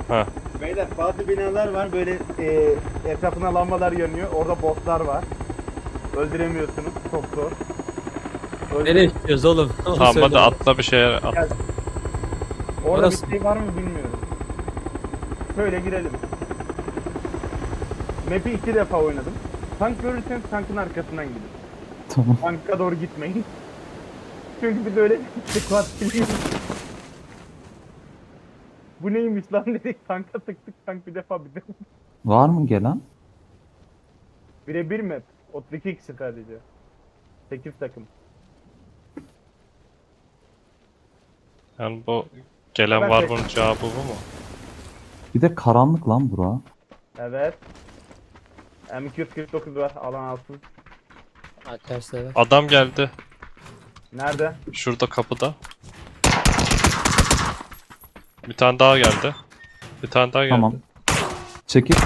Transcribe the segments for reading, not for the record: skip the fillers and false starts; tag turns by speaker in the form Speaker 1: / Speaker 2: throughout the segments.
Speaker 1: Ha.
Speaker 2: Beyler bazı binalar var böyle etrafına lambalar yanıyor. Orada bosslar var. Öldüremiyorsunuz. Çok zor.
Speaker 3: Nereye gidiyoruz oğlum? Onu
Speaker 1: Tamam
Speaker 3: söyle
Speaker 1: hadi
Speaker 3: bana.
Speaker 1: atla bir şeye at.
Speaker 2: Gel. Orada
Speaker 3: Orası
Speaker 2: bir şey var mı bilmiyorum. Şöyle girelim. Map'i 2 defa oynadım. Tank görürseniz tankın arkasından gidin.
Speaker 4: Tamam.
Speaker 2: Tanka doğru gitmeyin. Çünkü biz öyle squat biliyoruz. Bu neymiş lan dedik, tanka tıktık, tank bir defa bize.
Speaker 4: Var mı gelen?
Speaker 2: Birebir map. 32 kişi sadece. 8 takım.
Speaker 1: Yani bu gelen
Speaker 2: Ben
Speaker 1: var
Speaker 2: tek-
Speaker 1: bunun cevabı bu mu?
Speaker 4: Bir de karanlık lan bura.
Speaker 2: Evet. M249 var, alan alsın.
Speaker 3: ha, tersine ver.
Speaker 1: Adam geldi.
Speaker 2: Nerede?
Speaker 1: Şurada kapıda. Bir tane daha geldi. Bir tane daha geldi.
Speaker 4: Tamam. Çekil.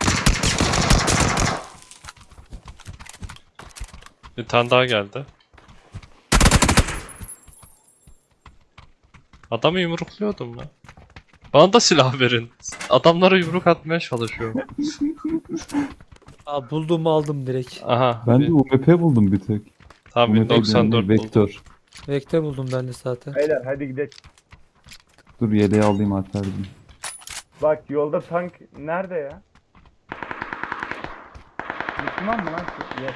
Speaker 1: Bir tane daha geldi. Adamı yumrukluyordum lan. Bana da silah verin. Adamlara yumruk atmaya çalışıyorum.
Speaker 3: Aa, buldum aldım direkt.
Speaker 1: Aha.
Speaker 4: Ben de UMP buldum bir tek.
Speaker 1: Tam
Speaker 4: UMP
Speaker 1: 1094
Speaker 4: değil,
Speaker 1: buldum.
Speaker 4: Vektör.
Speaker 3: Vektör buldum ben de zaten.
Speaker 2: Beyler hadi gidelim.
Speaker 4: Dur yeleği alayım Alper'cim.
Speaker 2: Bak yolda tank nerede ya? Müslüman mı lan? Yok.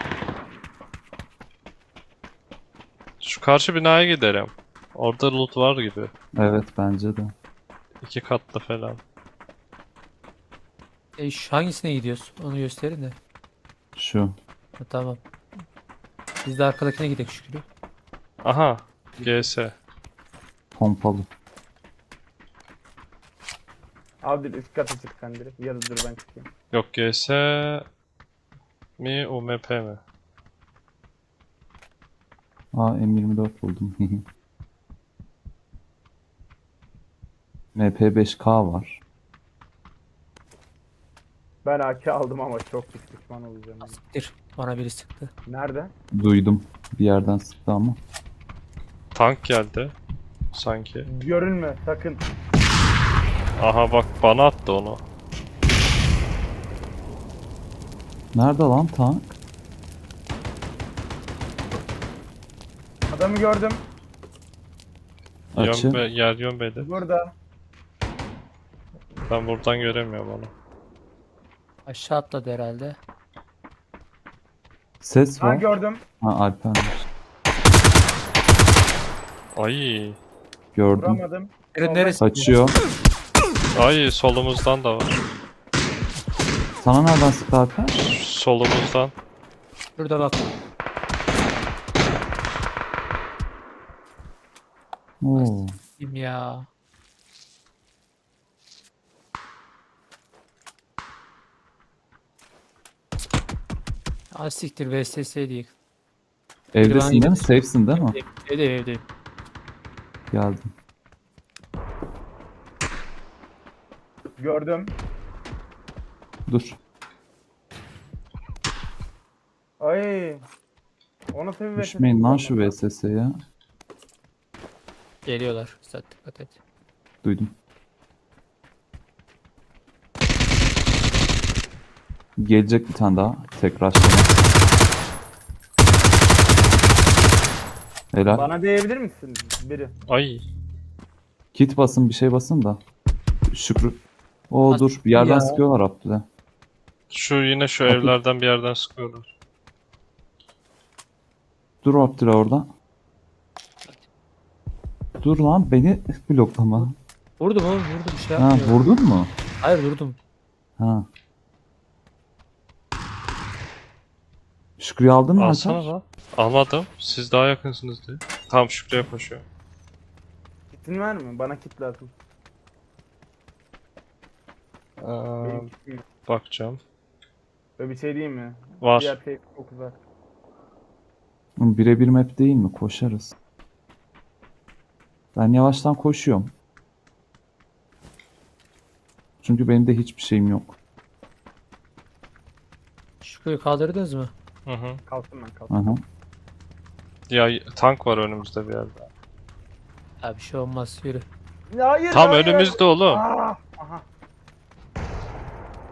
Speaker 1: Şu karşı binaya gidelim. Orada loot var gibi.
Speaker 4: Evet bence de.
Speaker 1: 2 katlı falan.
Speaker 3: Hangisine gidiyoruz? Onu gösterin de.
Speaker 4: Şu.
Speaker 3: Ha, tamam. Biz de arkadakine gidelim Şükrü.
Speaker 1: Aha. GS.
Speaker 4: Pompalı.
Speaker 2: Abi üst kata çık sen direkt. Ya da dur ben çıkayım.
Speaker 1: Yok GS mi UMP mi?
Speaker 4: Aa M24 buldum. MP5K var.
Speaker 2: Ben AK aldım ama çok pişman olacağım. Yani.
Speaker 3: Siktir. Bana biri sıktı.
Speaker 2: Nerede?
Speaker 4: Duydum. Bir yerden sıktı ama.
Speaker 1: Tank geldi. Sanki.
Speaker 2: Görünme sakın.
Speaker 1: Aha bak bana attı onu.
Speaker 4: Nerede lan tank?
Speaker 2: Adamı gördüm.
Speaker 4: Açı.
Speaker 1: Yer yön belli.
Speaker 2: Burada.
Speaker 1: Ben buradan göremiyorum onu.
Speaker 3: Aşağı atladı herhalde.
Speaker 4: Ses
Speaker 2: Ha
Speaker 4: var.
Speaker 2: gördüm.
Speaker 4: Ha Alper'miş.
Speaker 1: Ay.
Speaker 4: Gördüm.
Speaker 2: Vuramadım.
Speaker 3: Neresi?
Speaker 4: Kaçıyor.
Speaker 1: Ay solumuzdan da var.
Speaker 4: Sana nereden sıktı Alper?
Speaker 1: Solumuzdan.
Speaker 3: Şurada bak.
Speaker 4: Oo.
Speaker 3: Kim ya? Aa, siktir VSS değil.
Speaker 4: Evdesin değil mi? Safe'sin değil mi?
Speaker 3: Evdeyim.
Speaker 4: Geldim.
Speaker 2: Gördüm.
Speaker 4: Dur.
Speaker 2: Ay. O nasıl bir
Speaker 4: Düşmeyin lan şu VSS'ye.
Speaker 3: Geliyorlar. Sen dikkat et.
Speaker 4: Duydum. Gelecek bir tane daha. Tekrar şuna. Helal.
Speaker 2: Bana diyebilir misin biri?
Speaker 1: Ay.
Speaker 4: Kit basın bir şey basın da. Şükrü. Oo
Speaker 3: As-
Speaker 4: dur bir yerden
Speaker 3: ya.
Speaker 4: sıkıyorlar Abdül'e.
Speaker 1: Şu yine şu
Speaker 4: Bakın.
Speaker 1: evlerden bir yerden sıkıyorlar.
Speaker 4: Dur Abdül'e orada. Dur lan beni bloklama.
Speaker 3: Vurdum oğlum vurdum bir şey
Speaker 4: Ha
Speaker 3: yapmıyor.
Speaker 4: vurdun mu?
Speaker 3: Hayır vurdum.
Speaker 4: Ha. Şükrü'yü aldın mı
Speaker 1: Alsana
Speaker 4: Alper?
Speaker 1: lan. Almadım. Siz daha yakınsınız diye. Tamam Şükrü'ye koşuyor.
Speaker 2: Kitin var mı? Bana kit lazım. Benim kitim yok.
Speaker 1: Bakacağım.
Speaker 2: Böyle bir şey diyeyim mi?
Speaker 1: Var.
Speaker 2: Diğer şey çok uzak.
Speaker 4: Birebir map değil mi? Koşarız. Ben yavaştan koşuyorum. Çünkü benim de hiçbir şeyim yok.
Speaker 3: Şükrü'yü kaldırdınız mı?
Speaker 1: Hı hı.
Speaker 2: Kalsın ben kalsın.
Speaker 4: Aha.
Speaker 1: Ya tank var önümüzde bir yerde.
Speaker 3: Ya bir şey olmaz yürü.
Speaker 2: Ya hayır
Speaker 1: Tam
Speaker 2: hayır.
Speaker 1: önümüzde oğlum.
Speaker 2: Aa, aha.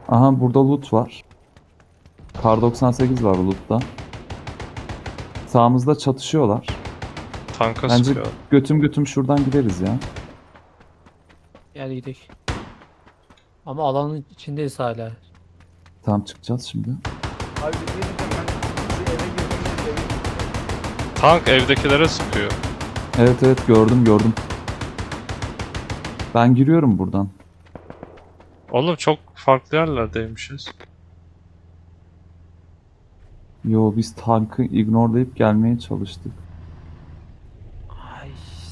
Speaker 4: Aha burada loot var. Kar 98 var loot'ta. Sağımızda çatışıyorlar.
Speaker 1: Tanka
Speaker 4: Bence
Speaker 1: sıkıyor.
Speaker 4: götüm götüm şuradan gideriz ya.
Speaker 3: Gel gidelim. Ama alanın içindeyiz hala.
Speaker 4: Tamam çıkacağız şimdi.
Speaker 2: Abi bir şey diyeceğim, ben bir eve girdim de evin
Speaker 1: Tank evdekilere sıkıyor.
Speaker 4: Evet evet gördüm. Ben giriyorum buradan.
Speaker 1: Oğlum çok farklı yerlerdeymişiz.
Speaker 4: Yo biz tankı ignorelayıp gelmeye çalıştık.
Speaker 3: Ay.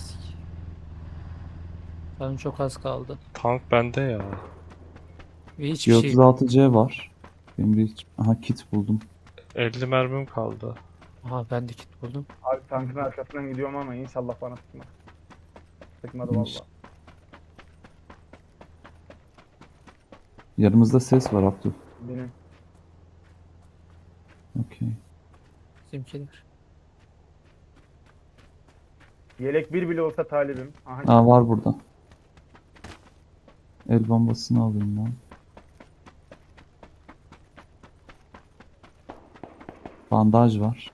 Speaker 3: Canım çok az kaldı.
Speaker 1: Tank bende ya.
Speaker 3: Ve hiçbir şey.
Speaker 4: 36C var. Benim de hiç... Aha kit buldum.
Speaker 1: 50 mermim kaldı.
Speaker 3: Aha ben de kit buldum.
Speaker 2: abi tankın arkasından gidiyorum ama inşallah bana sıkmaz. Sıkmadı
Speaker 4: İnş-
Speaker 2: valla.
Speaker 4: Yanımızda ses var Abdül.
Speaker 2: Benim.
Speaker 4: Okey.
Speaker 3: Bizimkiler.
Speaker 2: Yelek bir bile olsa talibim. Aha.
Speaker 4: Aa var burada. El bombasını alayım ben. Bandaj var.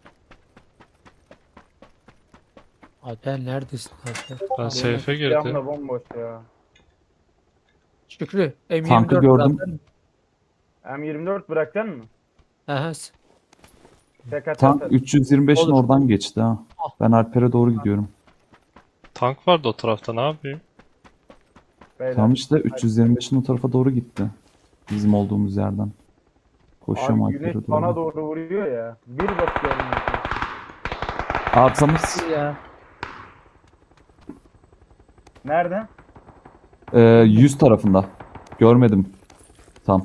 Speaker 3: Alper neredesin Alper?
Speaker 1: Ben safe'e girdim.
Speaker 2: Silahım da bomboş ya.
Speaker 3: Şükrü. M24
Speaker 4: Tankı gördüm.
Speaker 3: zaten.
Speaker 2: M24 bırakacaksın mı?
Speaker 3: Aha.
Speaker 2: Tek atar.
Speaker 4: Tank 325'in
Speaker 3: Olur.
Speaker 4: oradan geçti ha. Ben Alper'e doğru gidiyorum.
Speaker 1: Tank vardı o tarafta, ne yapayım?
Speaker 2: Beyler.
Speaker 4: Tam işte 325'in o tarafa doğru gitti. Bizim olduğumuz yerden. Koşuyorum
Speaker 2: Abi
Speaker 4: Alper'e
Speaker 2: güneş
Speaker 4: doğru.
Speaker 2: bana doğru vuruyor ya. Bir bakıyorum.
Speaker 4: Arkamız
Speaker 3: Ya.
Speaker 2: Nerede?
Speaker 4: 100 tarafında. Görmedim. Tam.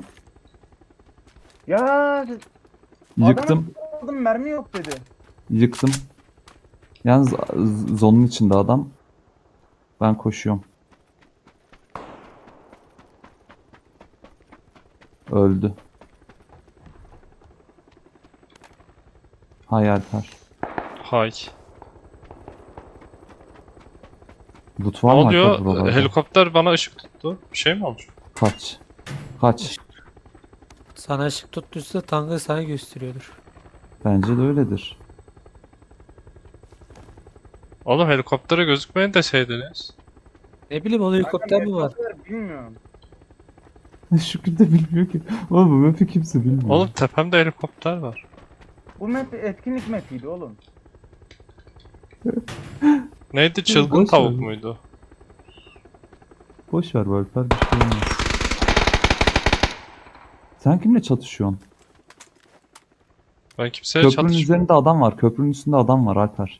Speaker 2: Ya
Speaker 4: Yıktım.
Speaker 2: aldım, mermi yok dedi.
Speaker 4: Yıktım. Yalnız zonun içinde adam. Ben koşuyorum. Öldü. Hay Alper.
Speaker 1: Hay.
Speaker 4: Loot
Speaker 1: Ne
Speaker 4: var mı Alper
Speaker 1: oluyor?
Speaker 4: buralarda?
Speaker 1: Helikopter bana ışık tuttu. Bir şey mi olmuş?
Speaker 4: Kaç. Kaç.
Speaker 3: Sana ışık tuttuysa tankı sana gösteriyordur.
Speaker 4: Bence de öyledir.
Speaker 1: Oğlum helikoptere gözükmeyin deseydiniz.
Speaker 3: Ne bileyim o helikopter mi var?
Speaker 2: Bilmiyorum.
Speaker 4: Şükrü de bilmiyor ki. Oğlum bu map'i kimse bilmiyor.
Speaker 1: Oğlum tepemde helikopter var.
Speaker 2: Bu map etkinlik mapiydi oğlum.
Speaker 1: Neydi, çılgın
Speaker 4: boş
Speaker 1: tavuk
Speaker 4: ver.
Speaker 1: muydu?
Speaker 4: Boş ver bu Alper, bir şey olmaz. Sen kimle çatışıyorsun?
Speaker 1: Ben kimseye
Speaker 4: Köprünün
Speaker 1: çatışmıyorum.
Speaker 4: üzerinde adam var. Köprünün üstünde adam var Alper.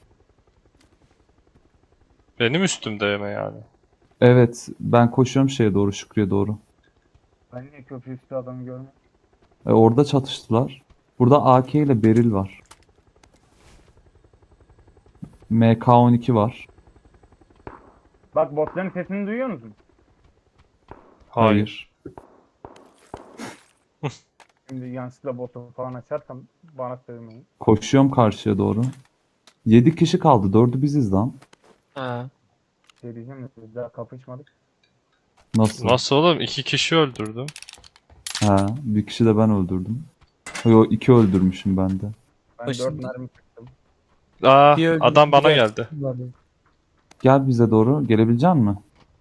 Speaker 1: Benim üstümde mi yani?
Speaker 4: Evet, ben koşuyorum şeye doğru, Şükrü'ye doğru.
Speaker 2: Ben niye köprü üstü adamı görmedim?
Speaker 4: Orada çatıştılar. Burada AK ile Beril var. MK12 var.
Speaker 2: Bak botların sesini duyuyor musun?
Speaker 1: Hayır.
Speaker 2: Şimdi yanlışlıkla botu falan açarsam bana sövmeyin.
Speaker 4: Koşuyorum karşıya doğru. 7 kişi kaldı. 4'ü biziz lan.
Speaker 3: Ha.
Speaker 2: Şey diyeceğim de biz daha kapışmadık.
Speaker 4: Nasıl?
Speaker 1: Nasıl oğlum? 2 kişi öldürdüm.
Speaker 4: Ha, bir kişi de ben öldürdüm. Yo, 2 öldürmüşüm ben de.
Speaker 2: Ben
Speaker 3: Başında-
Speaker 2: 4 mermi sıktım.
Speaker 1: Aa,
Speaker 3: Bir öldü,
Speaker 1: adam bana
Speaker 3: bir de-
Speaker 1: geldi.
Speaker 4: Gel bize doğru. Gelebilecek misin?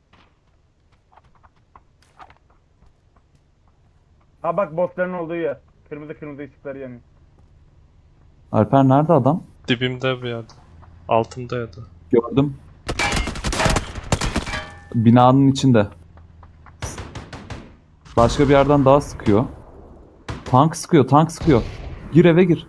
Speaker 2: Ha bak botların olduğu yer. Kırmızı kırmızı ışıkları yanıyor.
Speaker 4: Alper nerede adam?
Speaker 1: Dibimde bir yerde. Altımdaydı.
Speaker 4: Gördüm. Binanın içinde. Başka bir yerden daha sıkıyor. Tank sıkıyor, tank sıkıyor. Gir eve gir.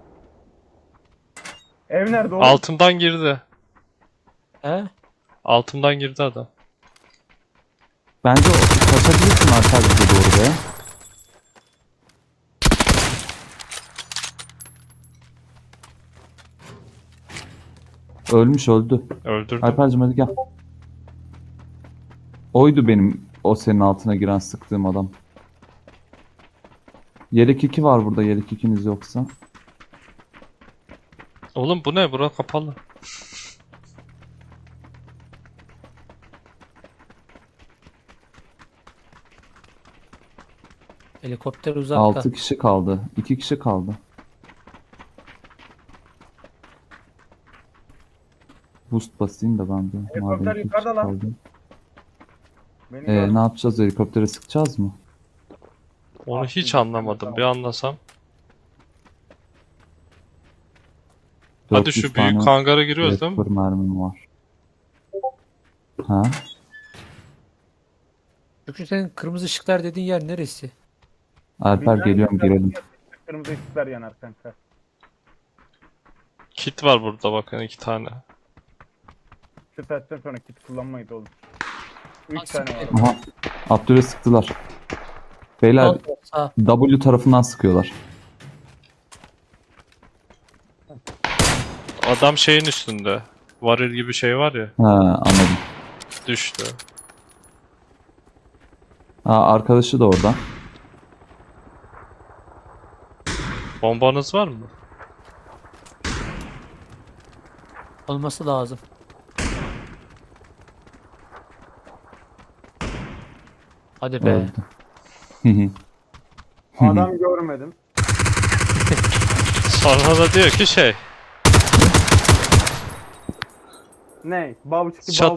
Speaker 2: Ev nerede oğlum?
Speaker 1: Altımdan girdi.
Speaker 3: He?
Speaker 1: Altımdan girdi adam.
Speaker 4: Bence kaçabilirsin Alper bize doğru be. Ölmüş öldü.
Speaker 1: Öldürdüm.
Speaker 4: Alper'cim hadi gel. Oydu benim o senin altına giren sıktığım adam. Yelek 2 var burada, yelek 2'niz yoksa.
Speaker 1: Oğlum bu ne? Bura kapalı.
Speaker 3: Helikopter uzakta.
Speaker 4: 6 kişi kaldı. 2 kişi kaldı. Boost basayım da ben de.
Speaker 2: Helikopter
Speaker 4: Madem 2 kişi
Speaker 2: yukarıda lan.
Speaker 4: kaldı.
Speaker 2: Beni gördü.
Speaker 4: Ne yapacağız? Helikoptere sıkacağız mı?
Speaker 1: Onu hiç anlamadım. Bir anlasam. Hadi
Speaker 4: 400
Speaker 1: şu büyük
Speaker 4: tane
Speaker 1: hangara giriyoruz değil mi?
Speaker 4: Raptor mermim var. Ha?
Speaker 3: Çünkü senin kırmızı ışıklar dediğin yer neresi?
Speaker 4: Alper
Speaker 2: Bir tane
Speaker 4: geliyorum
Speaker 2: yukarı
Speaker 4: girelim.
Speaker 2: Kırmızı ışıklar yanar kanka.
Speaker 1: Kit var burada bakın 2 tane.
Speaker 2: Şu saatten sonra kit kullanmayız oğlum. 3
Speaker 3: Aslında-
Speaker 2: tane var.
Speaker 4: Aha. Abdül'e sıktılar. Beyler
Speaker 3: Sol, sağ.
Speaker 4: W tarafından sıkıyorlar.
Speaker 1: Adam şeyin üstünde. Varil gibi şey var ya.
Speaker 4: Ha, anladım.
Speaker 1: Düştü.
Speaker 4: Arkadaşı da orada.
Speaker 1: Bombanız var mı?
Speaker 3: Olması lazım. Hadi be.
Speaker 4: Öldü. Hı hı.
Speaker 2: Adam görmedim.
Speaker 1: Sonra da diyor ki şey.
Speaker 2: Ne? Bav çıktı,
Speaker 1: Çat-
Speaker 2: bav